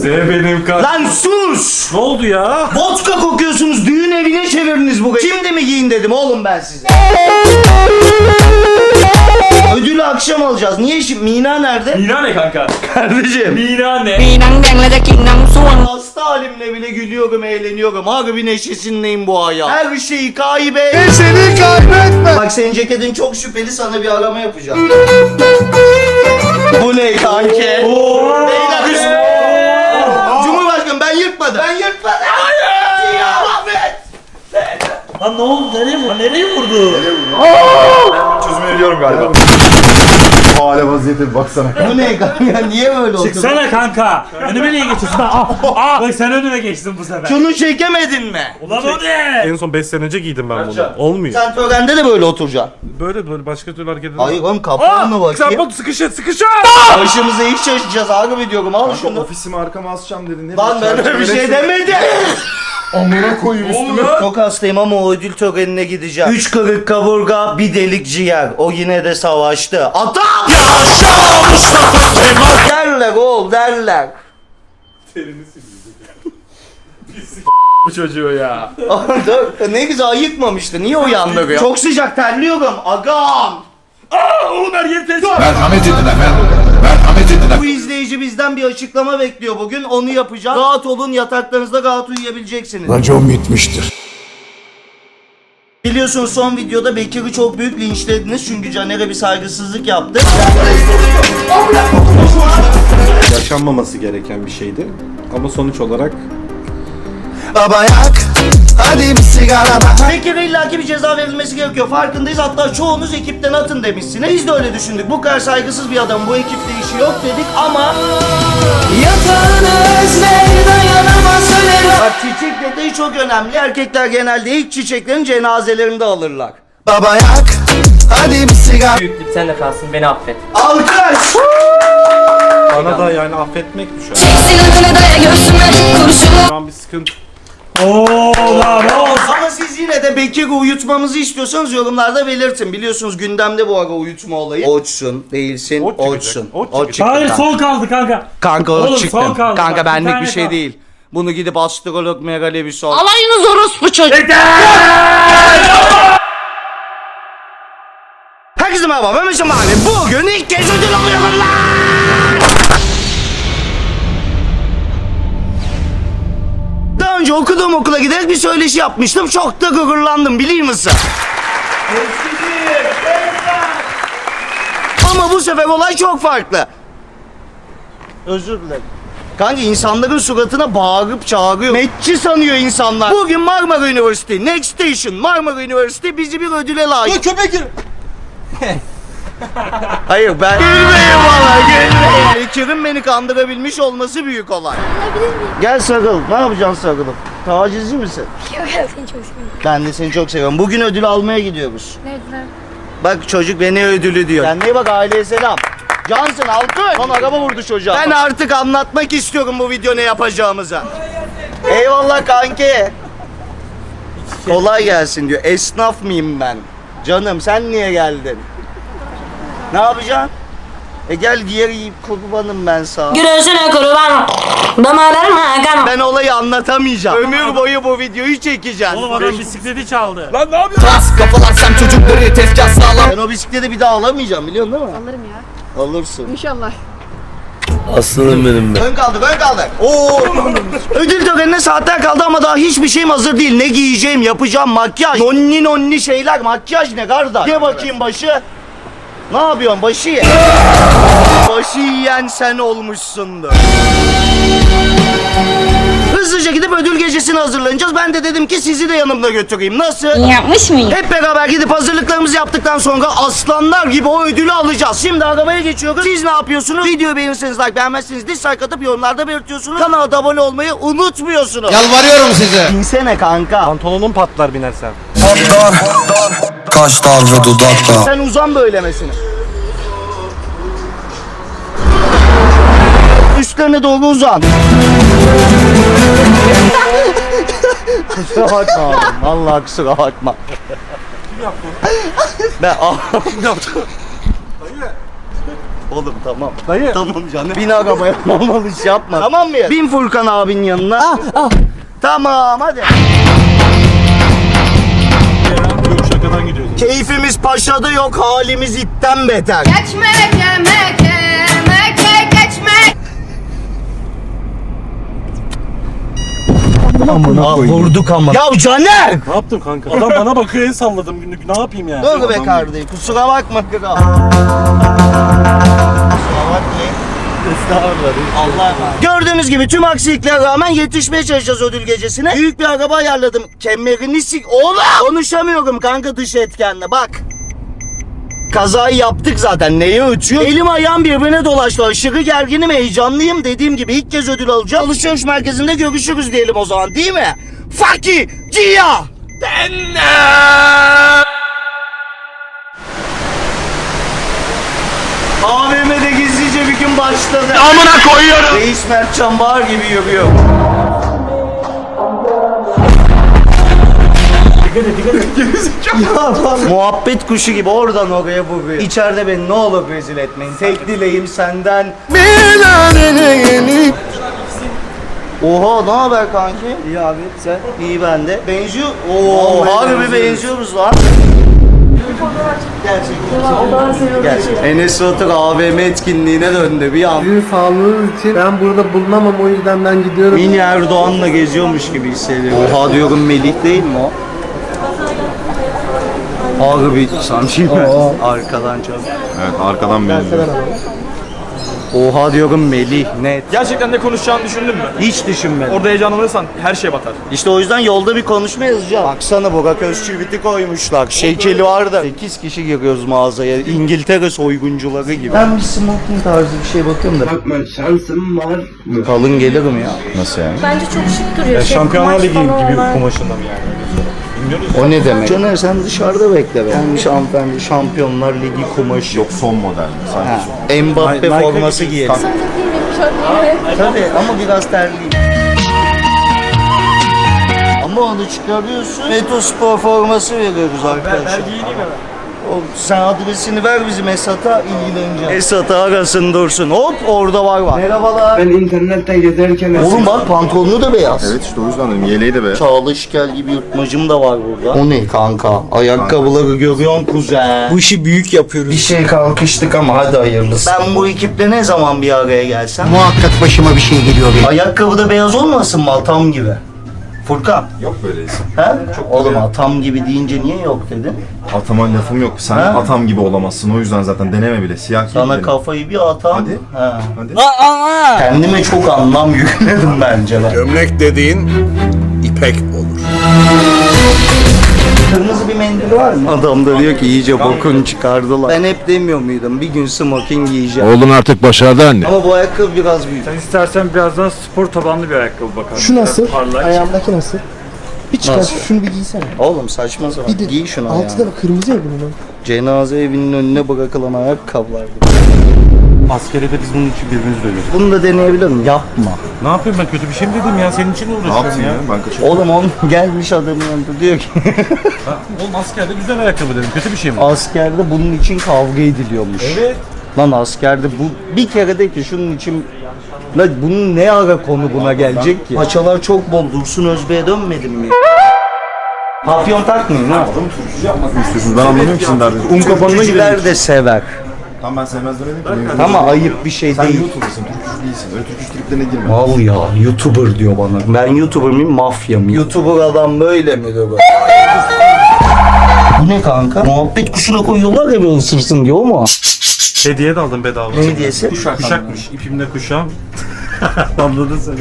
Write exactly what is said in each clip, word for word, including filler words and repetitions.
De benim kan. Lan sus! Ne oldu ya? Vodka kokuyorsunuz, düğün evine çevirdiniz burayı. Şimdi mi giyin dedim oğlum ben size. Ödülü akşam alacağız. Niye şimdi? Mina nerede? Mina ne kanka? Kardeşim. Mina ne? มีน้ำแดงและจะกินน้ำส้วม Hasta halimle bile gülüyorum, eğleniyorum. Harbi neşesindeyim bu hayat. Her şeyi kaybet. Neşeni kaybetme. Bak senin ceketin çok şüpheli, sana bir arama yapacağım. Bu ne kanki? Beyler üst. Cumhurbaşkanım ben yırtmadım. Ben yırtmadım. Hayır. Ya Ahmet. Lan ne oldu? Nereye vurdu? Nereye vurdu? Çözümü veriyorum galiba. Bu hale vaziyete bir baksana. Bu ne kanka? Niye böyle oldu? Çıksana kanka. Önüme niye geçiyorsun? Aa, aa, bak sen önüme geçtin bu sefer. Şunu çekemedin mi? Ulan o ne? En son beş sene önce giydim ben bunu. Olmuyor. Sen törende de böyle oturacaksın. Böyle böyle başka türlü hareket edemem. Hayır oğlum kapağına bakayım. Sen bak sıkışın sıkışın. Başımıza iş şaşacağız abi diyorum. Al Kanka şunu. ofisimi arkama asacağım dedin. Ne Lan ben öyle bir şey demedim. Amına koyayım üstüme. Çok hastayım ama o ödül törenine gideceğim. Üç kırık kaburga, bir delik ciğer. O yine de savaştı. Atam! Yaşa Mustafa Kemal! Derler oğul derler. Bu çocuğu ya. Dur, ne güzel ayıkmamıştı. Niye uyandırıyor? Çok sıcak terliyorum. Agam! Aa, oğlum her yeri test. Merhamet edin efendim. Merhamet edin efendim. Bu izleyici bizden bir açıklama bekliyor bugün. Onu yapacağız. Rahat olun, yataklarınızda rahat uyuyabileceksiniz. Racon bitmiştir. Biliyorsunuz son videoda Bekir'i çok büyük linçlediniz çünkü Caner'e bir saygısızlık yaptı. Yaşanmaması gereken bir şeydi. Ama sonuç olarak Baba yak. Hadi bir sigara bak. Bekir'e illaki bir ceza verilmesi gerekiyor. Farkındayız. Hatta çoğunuz ekipten atın demişsiniz. Biz de öyle düşündük. Bu kadar saygısız bir adam bu ekipte işi yok dedik ama... Bak çiçek detayı çok önemli. Erkekler genelde ilk çiçeklerin cenazelerinde alırlar. Baba yak. Hadi bir sigara. Büyüklük sen de kalsın, beni affet. Alkış! bana da yani affetmek düşer. Şu an bir sıkıntı. Oo lan oğlum. Ama siz yine de Bekir'i uyutmamızı istiyorsanız yorumlarda belirtin. Biliyorsunuz gündemde bu ara uyutma olayı. Oçsun, değilsin, Ot çıkacak, oçsun. ot Ot çıkacak. çıktı Hayır kanka. son kaldı kanka. Kanka Oğlum, ot son çıktı. kaldı Kanka bak, bir benlik tane bir şey kaldı. değil. Bunu gidip astrolog Megale bir sor. Alayınız orospu çocuk. Herkese merhaba, ben Mesut abi. Bugün ilk kez ödül alıyorum lan! Daha önce okuduğum okula giderek bir söyleşi yapmıştım. Çok da gururlandım, biliyor musun? Ama bu sefer olay çok farklı. Özür dilerim. Kanka insanların suratına bağırıp çağırıyor. Metçi sanıyor insanlar. Bugün Marmara Üniversitesi, Next Station Marmara Üniversitesi bizi bir ödüle layık. Köpek gir. Hayır ben... Gülmeyin bana, gülmeyin. Bekir'in beni kandırabilmiş olması büyük olay. Gel sarıl. Ne yapacaksın sarılıp? Tacizci misin? Yok ya seni çok seviyorum. Ben de seni çok seviyorum. Bugün ödül almaya gidiyoruz. Nerede? Bak çocuk beni ödülü diyor. Kendine bak, aileye selam. Cansın alkış. Lan araba vurdu çocuğa. Ben artık anlatmak istiyorum bu video ne yapacağımıza. Eyvallah kanki. Kolay gelsin diyor. Esnaf mıyım ben? Canım sen niye geldin? Ne yapacaksın? E gel diğer kurbanım ben sana. Güreşine kurban. Damarlarım hakan. Ben olayı anlatamayacağım. Ömür boyu bu videoyu çekeceğim. Oğlum adam bisikleti çaldı. Kas kafalar sem çocukları tezgah sağlam. Ben o bisikleti bir daha alamayacağım, biliyorsun değil mi? Alırım ya. Alırsın. İnşallah. Aslanım benim be. Ön kaldık, ön kaldık. Oo. Ödül törenine saatler kaldı ama daha hiçbir şeyim hazır değil. Ne giyeceğim, yapacağım, makyaj. Nonni nonni şeyler, makyaj ne kardeş? Ye bakayım başı. Ne yapıyorsun, başı ye. Başı yiyen sen olmuşsundur. Hızlıca gidip ödül gecesine hazırlanacağız. Ben de dedim ki sizi de yanımda götüreyim. Nasıl? Yapmış mıyım? Hep beraber gidip hazırlıklarımızı yaptıktan sonra aslanlar gibi o ödülü alacağız. Şimdi arabaya geçiyoruz. Siz ne yapıyorsunuz? Videoyu beğenirseniz like, beğenmezseniz dislike atıp yorumlarda belirtiyorsunuz. Kanala da abone olmayı unutmuyorsunuz. Yalvarıyorum size. İnsene kanka. Pantolonun patlar binersen. Kaşlar ve dudaklar. Sen uzan böylemesine. Üstlerine doğru uzan. Kusura bakma oğlum. Vallahi kusura bakma. Kim yaptı? Ben Kim yaptı? Oğlum tamam. Dayı. Tamam canım. Bin arabaya normal iş yapma. Tamam mı ya? Bin Furkan abinin yanına. Ah ah. Tamam hadi. Yok şakadan gidiyoruz. Keyfimiz paşada yok, halimiz itten beter. Geçmek yemek yemek geçmek. Ah vurduk ama. Ya Caner! Ne yaptın kanka? Adam bana bakıyor, el salladım günlük. Ne yapayım yani? Dur be kardeşim, kusura bakma kral. Kusura bakmayın. Allah'a emanet. Gördüğünüz gibi tüm aksiliklere rağmen yetişmeye çalışacağız ödül gecesine. Büyük bir araba ayarladım. Kemerini sik... Oğlum! Konuşamıyorum kanka dış etkenle bak. Kazayı yaptık zaten. Neye ötüyor? Elim ayağım birbirine dolaştı. Aşırı gerginim, heyecanlıyım. Dediğim gibi ilk kez ödül alacağım. Alışveriş merkezinde görüşürüz diyelim o zaman değil mi? Faki Cia! A V M'de gizlice bir gün başladı. Amına koyuyorum. Reis Mertcan Bağır gibi yürüyor. Muhabbet kuşu gibi oradan oraya vuruyor. İçeride beni ne olur rezil etmeyin. Tek dileğim senden. Oha ne haber kanki? İyi abi sen? İyi ben de. Benziyor. Oo harbi benziyoruz lan. Gerçekten. Gerçekten. Enes Batur A V M etkinliğine döndü bir an. Sizin sağlığınız için ben burada bulunamam, o yüzden ben gidiyorum. Mini Erdoğan'la geziyormuş gibi hissediyorum. Oha diyorum Melih değil mi o? Harbi sanki arkadan çok. Evet arkadan benziyor. Oha diyorum Melih net. Gerçekten ne konuşacağını düşündün mü? Hiç düşünmedim. Orada heyecanlanırsan her şey batar. İşte o yüzden yolda bir konuşma yazacağım. Baksana Burak Özçivit'i koymuşlar. Şekeli var da. sekiz kişi giriyoruz mağazaya. İngiltere soyguncuları gibi. Ben bir smoking tarzı bir şey bakıyorum da. Bakma şansım var mı? Kalın gelirim ya. Nasıl yani? Bence çok şık duruyor. Şey, Şampiyonlar Ligi gibi kumaş kumaşından yani. O ne demek? Caner sen dışarıda bekle be. Gelmiş hanımefendi Şampiyonlar Ligi kumaşı. Yok son model sadece. Ha. Mbappe Nike- forması giyelim. Tabii ama biraz terliyim. Ama onu çıkarıyorsun. Metospor forması veriyoruz arkadaşlar. O, sen adresini ver bizim Esat'a ilgileneceğim. Esat'a arasın dursun. Hop orada var var. Merhabalar. Ben internetten gezerken... Oğlum bak pantolonu da beyaz. Evet işte o yüzden dedim yeleği de be. Çalışkel gibi yırtmacım da var burada. O ne kanka? Ayakkabıları görüyorsun kuzen. Bu işi büyük yapıyoruz. Bir şey kalkıştık ama hadi hayırlısı. Ben bu ekiple ne zaman bir araya gelsem? Muhakkak başıma bir şey geliyor benim. Ayakkabı da beyaz olmasın mı atam gibi? Furkan. Yok böyle isim. He? Oğlum atam gibi deyince niye yok dedin? Atama lafım yok. Sen Ha? atam gibi olamazsın. O yüzden zaten deneme bile. Siyah giy Sana dedim. kafayı bir atam. Hadi. He. Hadi. Kendime çok anlam yükledim bence ben. Gömlek dediğin ipek olur. Kırmızı bir mendil var mı? Adam da diyor ki iyice bokunu çıkardılar. Ben hep demiyor muydum bir gün smoking giyeceğim. Oğlun artık başardı anne. Ama bu ayakkabı biraz büyük. Sen istersen birazdan spor tabanlı bir ayakkabı bakalım. Şu nasıl? Parlak. Ayağımdaki nasıl? Bir çıkar Nasıl? şunu bir giysene. Oğlum saçma sapan. Bir de Giy şunu altı ayağına. da kırmızı ya bunun. Cenaze evinin önüne bırakılan ayakkabılar gibi. Askerde de biz bunun için birbirimizi dövüyoruz. Bunu da deneyebilir miyim? Yapma. Ne yapayım ben, kötü bir şey mi dedim ya? Senin için mi Ne uğraşıyorum yaptın ya? ya? Ben kaçırdım. Oğlum on gelmiş adamın yanında diyor ki Ha, oğlum askerde güzel ayakkabı dedim. Kötü bir şey mi? askerde bunun için kavga ediliyormuş. Evet. Lan askerde bu bir kere de ki şunun için lan bunun ne ara konu buna gelecek ki? Paçalar çok bol. Dursun Özbey'e dönmedin mi? Papyon takmayın ha. İstiyorsunuz ben anlamıyorum ki sizin derdinizi. Un kapanına girelim. Türkücüler de sever. Tamam ben sevmez demedim ki. Ama ayıp bir şey Sen değil. YouTuber'sın, Türkçü değilsin. Öyle Türkçü triplerine girme. Al ya YouTuber diyor bana. Ben YouTuber mıyım mafya mıyım? YouTuber adam böyle mi diyor böyle? Bu ne kanka? Muhabbet kuşuna koyuyorlar ya bir ısırsın diyor mu? Hediye de aldım bedava. Ne hediyesi? Kuşak. Kuşakmış. İpimde kuşağım. Anladın sen.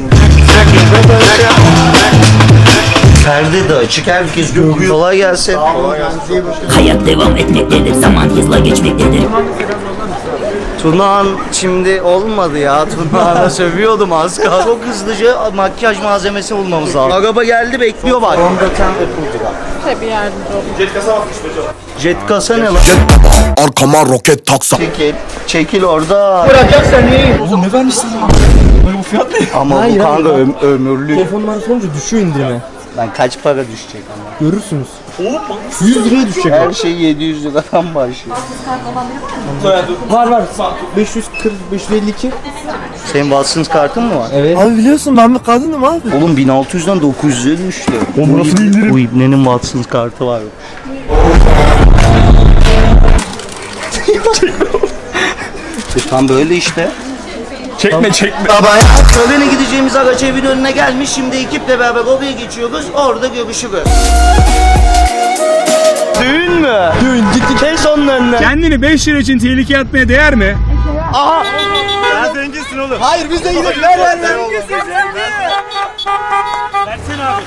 Perde de açık herkes görüyor. Kolay gelsin. Hayat devam etmektedir, zaman hızla geçmektedir. Tunağan şimdi olmadı ya. Tunağan'a sövüyordum az kaldı. Çok hızlıca makyaj malzemesi bulmamız lazım. Araba geldi bekliyor bak. Fondöten ve pudra. Tabii yardımcı olun. Jet kasa atmış be canım. Jet kasa ne lan? Arkama roket taksa. Çekil. Çekil orada. Oğlum ne vermişsin ya? Bu fiyat ne? Ama Hayır, bu kanka hayır. öm- ömürlük. Telefon numarası olunca düşüyor indirime. Lan kaç para düşecek ama? Görürsünüz. yüz liraya düşecek. Her şey yedi yüz liradan başlıyor. Var var. beş yüz kırk, beş yüz elli iki. Senin Watsons kartın mı var? Evet. Abi biliyorsun ben bir kadınım abi. Oğlum bin altı yüzden dokuz yüze düştü. O nasıl indirim? Bu İbne'nin Watsons kartı var. e tam böyle işte. Çekme çekme. Törene gideceğimiz araç evin önüne gelmiş. Şimdi ekiple beraber oraya geçiyoruz. Orada görüşürüz. Düğün mü? Düğün gittik. Kes onun önüne. Kendini beş lira için tehlikeye atmaya değer mi? Aha. Sen zenginsin oğlum. Hayır biz de gidelim. Ver ver ver. Versene abi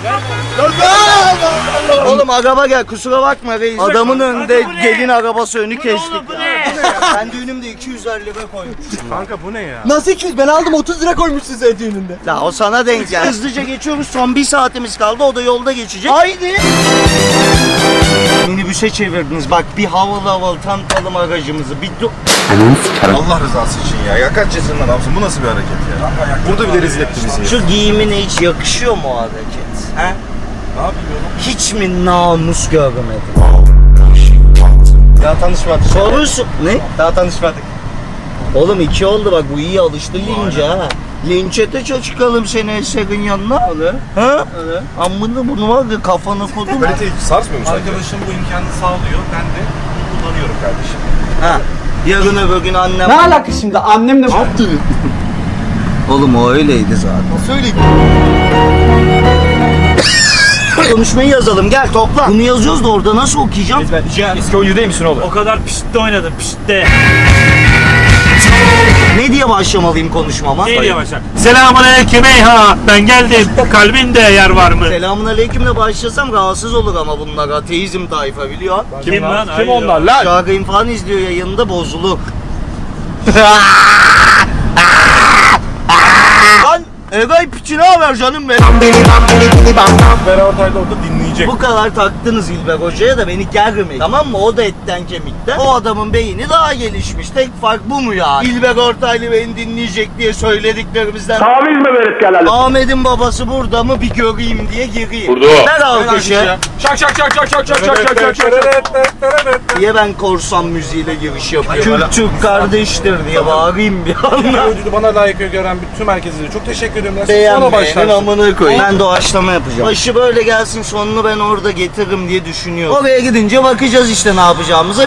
ver. Oğlum araba gel kusura bakma reis. Adamın önünde gelin arabası önü kestik. Ben düğünümde iki yüz elli lira koymuşum. Nasıl iki yüz? Ben aldım otuz lira koymuşsun sen düğününde. La o sana denk geldi. Hızlıca geçiyoruz. Son bir saatimiz kaldı. O da yolda geçecek. Haydi. Minibüse çevirdiniz. Bak bir havalı havalı tanıtalım aracımızı. Bir do- Allah rızası için ya. Ya kaç yaşından adamsın? Bu nasıl bir hareket ya? Burada bile rezil etti bizi. Şu giyimine hiç yakışıyor mu o hareket? He? Ne yapayım Hiç mi namus görmedin? Daha tanışmadık. Sorusu... Ne? Daha tanışmadık. Oğlum iki oldu bak bu iyi alıştı lince ha. Linçete çıkalım seni Eser'in yanına. Öyle. Ha? Öyle. Amına bunu var ya kafana kodum. Kalite hiç sarsmıyor mu sence? Arkadaşım bu imkanı sağlıyor. Ben de kullanıyorum kardeşim. Ha. Yarın öbür gün annem... Ne alaka şimdi annemle... Oğlum o öyleydi zaten. Söyle. Konuşmayı yazalım gel topla. Bunu yazıyoruz da orada nasıl okuyacağım? Ben Cihan eski oyuncu değil misin oğlum? O kadar piştte oynadım piştte. Ne diye başlamalıyım konuşmama? Ne diye başlar? Selamun aleyküm eyha. Ben geldim. Kalbinde yer var mı? Selamun aleykümle başlasam rahatsız olur ama bunlar ateizm tayfa biliyor. Kim lan? Kim Hayır. onlar lan? Şarkıyım falan izliyor yayında bozulur. Lan Egay piçi ne haber canım benim? Beraber Tay'da orada dinleyecek. Bu kadar taktınız İlber Hoca'ya da beni germeyin. Tamam mı? O da etten kemikten. O adamın beyni daha gelişmiş. Tek fark bu mu ya? İlber Ortaylı beni dinleyecek diye söylediklerimizden. Taviz mi verip gelelim? Ahmet'in babası burada mı bir göreyim diye gireyim. Burada. Ver alkışı. Şak şak şak şak şak şak şak şak şak şak. Diye ben korsan müziğiyle giriş yapıyorum. Kürt Türk kardeştir diye bağırayım bir anda. Ödülü bana layık gören bütün herkese çok teşekkür ederim. Sonra Beğenmeyenin başlarsın. amına koyayım. Ben doğaçlama yapacağım. Başı böyle gelsin sonunu ben orada getiririm diye düşünüyorum. Oraya gidince bakacağız işte ne yapacağımıza.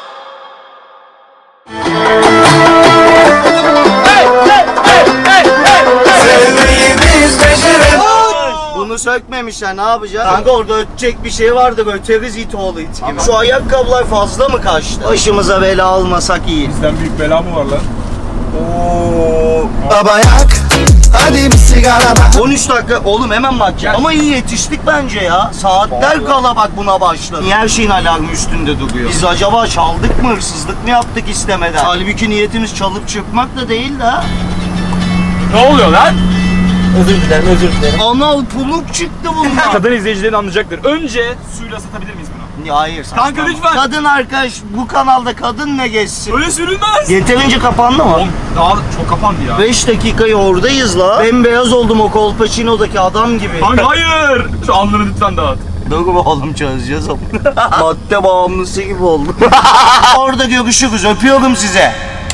Bunu sökmemişler ne yapacağız? Kanka orada ötecek bir şey vardı öteriz it oğlu it gibi. Şu ayakkabılar fazla mı kaçtı? Başımıza bela almasak iyi. Bizden büyük bela mı var lan? Baba yak, hadi bir sigara bak. on üç dakika oğlum hemen bakacağım. Ama iyi yetiştik bence ya. Saatler kala bak buna başladı. Niye her şeyin alarmı üstünde duruyor? Biz acaba çaldık mı hırsızlık mı yaptık istemeden? Halbuki niyetimiz çalıp çırpmak da değil de ha. Ne oluyor lan? Özür dilerim özür dilerim. Anal puluk çıktı bundan. Kadın izleyicilerin anlayacaktır. Önce suyla ısıtabilir miyiz bunu? Ya hayır saçma. Kanka lütfen. Kadın arkadaş bu kanalda kadın ne geçsin? Öyle sürülmez. Yeterince kapandı mı? Oğlum daha çok kapandı ya. beş dakikayı oradayız la. Bembeyaz oldum o Kolpaçino'daki adam gibi. Kanka hayır. Şu alnını lütfen dağıt. Dur oğlum çözeceğiz ama. Madde bağımlısı gibi oldum. Orada görüşürüz. Öpüyorum size.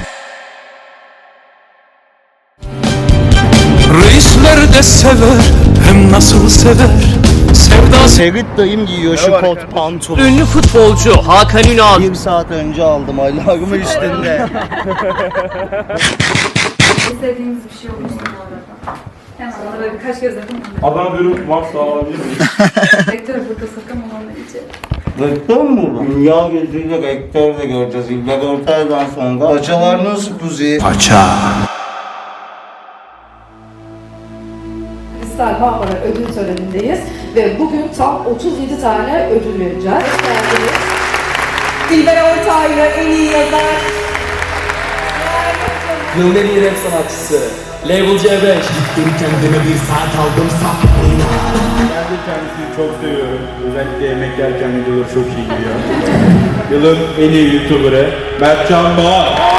Reisler de sever, hem nasıl sever. Sevda Ferit dayım giyiyor şu kot pantolon. Ünlü futbolcu Hakan Ünal. Bir saat önce aldım alarmı üstünde. İstediğiniz bir şey olursa bu arada. Hemen ona böyle birkaç kez yapın. Adana dürüm varsa alabilir miyim? Rektör burada sakın olanlar için. Rektör mü bu? Dünya gözüyle rektör de göreceğiz. İlber Ortaylı'dan sonra. Paçalar nasıl kuzi? paça. Kristal Bağlara ödül törenindeyiz ve bugün tam otuz yedi tane ödül vereceğiz. İlber Ortaylı en iyi yazar. Yılın en iyi rap sanatçısı. Label C beş. Ben de kendisini çok seviyorum. Özellikle yemek yerken videoları çok iyi gidiyor. Yılın en iyi YouTuber'ı Mertcan Bağ.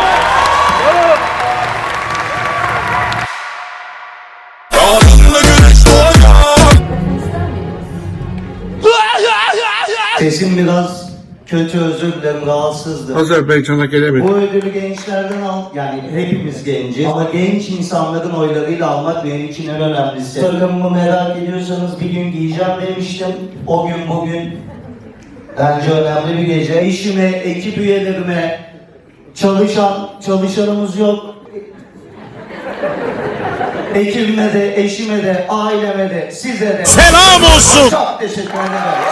Sesim biraz kötü, özür dilerim, rahatsızdım. Azerbaycan'a gelemedim. Bu ödülü gençlerden al, yani hepimiz genciz. Ama genç insanların oylarıyla almak benim için en önemlisi. Takımımı merak ediyorsanız bir gün giyeceğim demiştim. O gün bugün bence önemli bir gece. Eşime, ekip üyelerime, çalışan, çalışanımız yok. Ekibime de, eşime de, aileme de, size de selam olsun. Çok teşekkür ederim.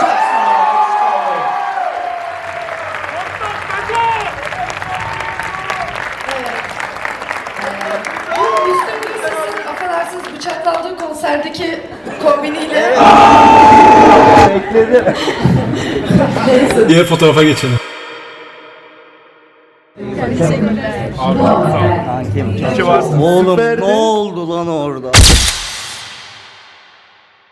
Bu Müslüm Gürses'in affedersiniz bıçaklandığı konserdeki kombiniyle... Bekledim. Diğer fotoğrafa geçelim. Oğlum ne oldu lan orada?